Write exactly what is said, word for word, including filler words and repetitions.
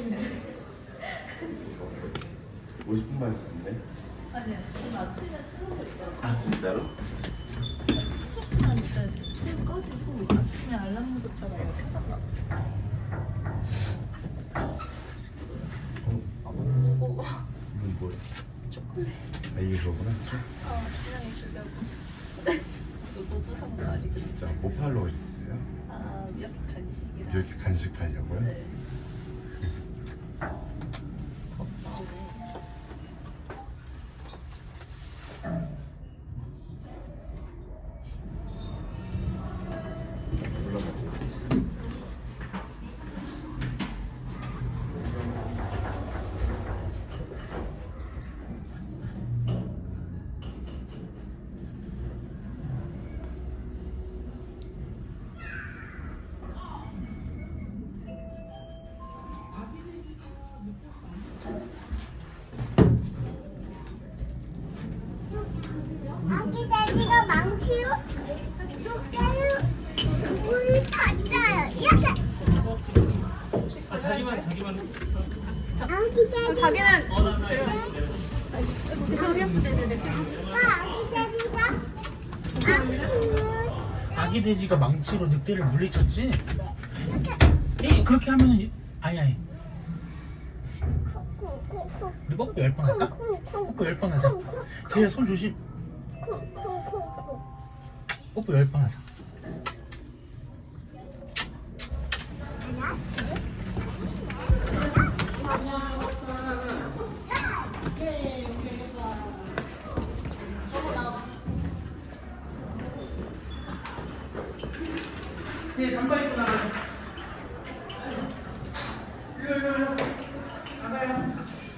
오십 분만 했었는데? 아니야, 오늘 아침에 틀어져 있더라고. 아 진짜로? 수업 시간 때 텔 꺼지고 아침에 알람 문자가 이렇게 켜졌나? 무거워. 이건 뭐야? 초콜릿. 아 이게 그거구나? 술? 어, 신랑이 주려고. 또 노부 산거 아니고. 진짜 뭐 팔러 오셨어요? 아, 이렇게 간식이랑. 이렇게 간식 팔려고요? 네. 덥다. 올라가겠어. 아기 돼지가 망치로 쫓겨요. 우리 탔어요. 이렇게. 아 자기만 자기만 아기 돼지. 자기는 아빠, 아기 돼지가 망치로 아기 돼지가 망치로 늑대를 물리쳤지? 이렇게. 이 그렇게 하면은 아니 아니 콩콩콩콩. 우리 뽀뽀 열 번 할까? 콩콩콩. 뽀뽀 열 번 하자. 걔야 손 조심. 콩콩콩콩. 뽀뽀 열 번 하자. 하나, 걔 잠바 입고 나가. 일로 일로 일로. 나가요.